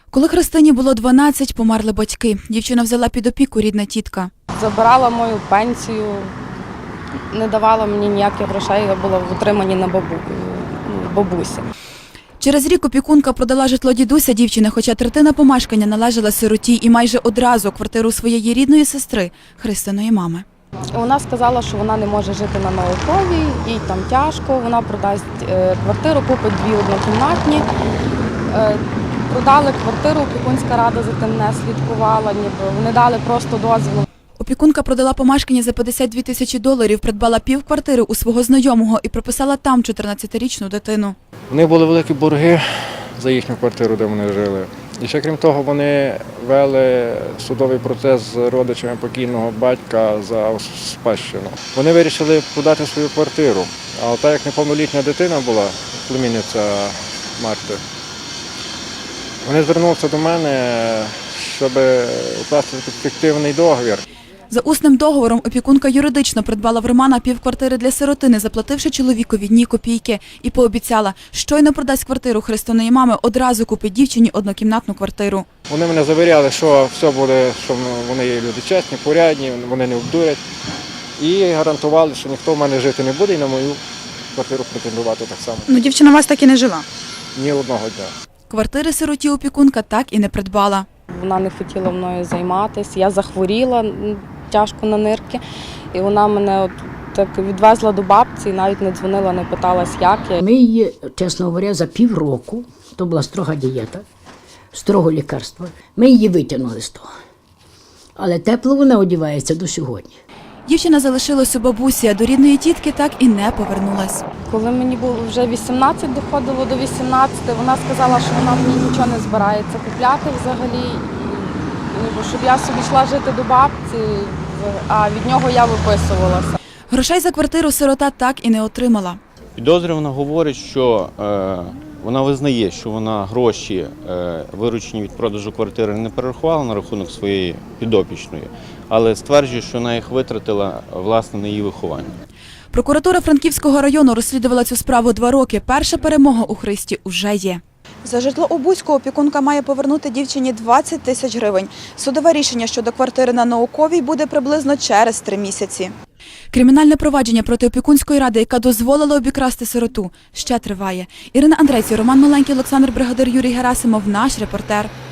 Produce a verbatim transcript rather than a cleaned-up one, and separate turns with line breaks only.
Коли Христині було дванадцять, померли батьки. Дівчина взяла під опіку рідна тітка.
Забирала мою пенсію, не давала мені ніяких грошей, я була в утриманні на бабу, бабусі.
Через рік опікунка продала житло дідуся дівчини, хоча третина помешкання належала сироті і майже одразу квартиру своєї рідної сестри, Христиної мами.
Вона сказала, що вона не може жити на Науковій, їй там тяжко, вона продасть квартиру, купить дві однокімнатні. Продали квартиру, опікунська рада за тим не слідкувала, ніби вони дали просто дозвіл.
Опікунка продала помешкання за п'ятдесят дві тисячі доларів, придбала півквартири у свого знайомого і прописала там чотирнадцятирічну дитину.
У них були великі борги за їхню квартиру, де вони жили. І ще крім того, вони вели судовий процес з родичами покійного батька за спадщину. Вони вирішили подати свою квартиру, а так як неповнолітня дитина була, племінниця Марти, вони звернулися до мене, щоб укласти фіктивний договір.
За усним договором опікунка юридично придбала в Романа півквартири для сиротини, заплативши чоловікові ні копійки, і пообіцяла, щойно продасть квартиру Христиної мами, одразу купить дівчині однокімнатну квартиру.
Вони мене завіряли, що все буде, що вони є люди чесні, порядні, вони не обдурять. І гарантували, що ніхто в мене жити не буде і на мою квартиру претендувати так само.
Ну, дівчина у вас так і не жила?
Ні одного дня.
Квартири сироті опікунка так і не придбала.
Вона не хотіла мною займатися, я захворіла тяжко на нирки, і вона мене от так відвезла до бабці і навіть не дзвонила, не питалась, як я.
Ми її, чесно говоря, за півроку, то була строга дієта, строго лікарство, ми її витягнули з того. Але тепло вона одягається до сьогодні.
Дівчина залишилась у бабусі, а до рідної тітки так і не повернулась.
Коли мені було вже вісімнадцять, доходило до вісімнадцяти, вона сказала, що вона мені нічого не збирається купляти взагалі, щоб я собі йшла жити до бабці, а від нього я виписувалася.
Грошей за квартиру сирота так і не отримала.
Підозрювана говорить, що е, вона визнає, що вона гроші, е, виручені від продажу квартири, не перерахувала на рахунок своєї підопічної, але стверджує, що вона їх витратила, власне, на її виховання.
Прокуратура Франківського району розслідувала цю справу два роки. Перша перемога у Христі уже є.
За житло у Буську опікунка має повернути дівчині двадцять тисяч гривень. Судове рішення щодо квартири на Науковій буде приблизно через три місяці.
Кримінальне провадження проти опікунської ради, яка дозволила обікрасти сироту, ще триває. Ірина Андрейці, Роман Маленький, Олександр Бригадир, Юрій Герасимов, наш репортер.